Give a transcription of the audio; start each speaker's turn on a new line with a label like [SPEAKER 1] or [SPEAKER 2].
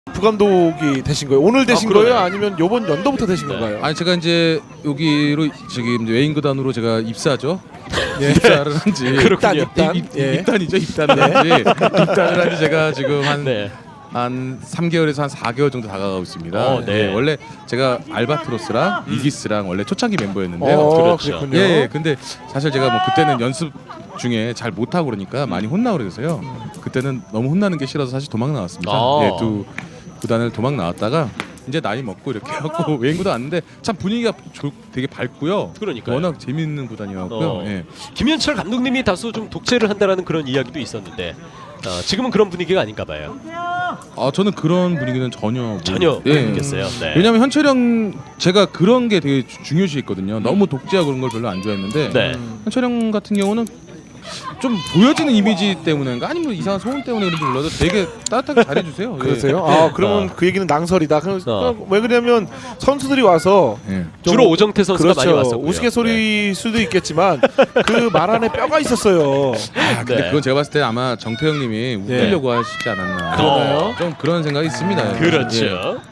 [SPEAKER 1] 부감독이 되신 거예요? 오늘 되신
[SPEAKER 2] 그러네.
[SPEAKER 1] 거예요? 아니면 요번 연도부터 되신 건가요?
[SPEAKER 3] 아니 제가 이제 여기로 지금 이제 외인 구단으로 제가 입사죠. 입사를 한지
[SPEAKER 1] 그렇군요.
[SPEAKER 3] 입단이죠. 입단을 한지 입단을 한지 제가 지금
[SPEAKER 2] 네.
[SPEAKER 3] 한 3개월에서 한 4개월 정도 다가가고 있습니다.
[SPEAKER 2] 네.
[SPEAKER 3] 예, 원래 제가 알바트로스랑 이기스랑 원래 초창기 멤버였는데요.
[SPEAKER 2] 그렇죠.
[SPEAKER 1] 그렇군요.
[SPEAKER 3] 예, 근데 사실 제가 뭐 그때는 연습 중에 잘 못하고 그러니까 많이 혼나고 그래서요. 그때는 너무 혼나는 게 싫어서 사실 도망 나왔습니다. 예, 두 구단을 도망 나왔다가 이제 나이 먹고 이렇게 해갖고 외인 구단 왔는데 참 분위기가 되게 밝고요.
[SPEAKER 2] 그러니까요.
[SPEAKER 3] 워낙 재밌는 구단이었고요. 예.
[SPEAKER 2] 김현철 감독님이 다소 좀 독재를 한다라는 그런 이야기도 있었는데 지금은 그런 분위기가 아닌가 봐요.
[SPEAKER 3] 저는 그런 분위기는 전혀
[SPEAKER 2] 못 느꼈어요. 네.
[SPEAKER 3] 왜냐하면 현철이 형 제가 그런 게 되게 중요시했거든요. 너무 독재하고 그런 걸 별로 안 좋아했는데
[SPEAKER 2] 네.
[SPEAKER 3] 현철이 형 같은 경우는 좀 보여지는 이미지 때문인가 아니면 이상한 소문 때문에 그런지 몰라도 되게 따뜻하게 잘해주세요.
[SPEAKER 1] 그러세요?
[SPEAKER 3] 예.
[SPEAKER 1] 그러면 그 얘기는 낭설이다. 왜 그러냐면 선수들이 와서
[SPEAKER 3] 예.
[SPEAKER 1] 좀
[SPEAKER 2] 주로 오정태 선수가 많이 왔었고요.
[SPEAKER 1] 우스갯소리일 수도 있겠지만 그 말 안에 뼈가 있었어요.
[SPEAKER 3] 근데
[SPEAKER 2] 네.
[SPEAKER 3] 그건 제가 봤을 때 아마 정태 형님이 웃기려고 하시지 않았나.
[SPEAKER 1] 그러나요?
[SPEAKER 3] 좀 그런 생각이 있습니다.
[SPEAKER 2] 그렇죠.
[SPEAKER 3] 예.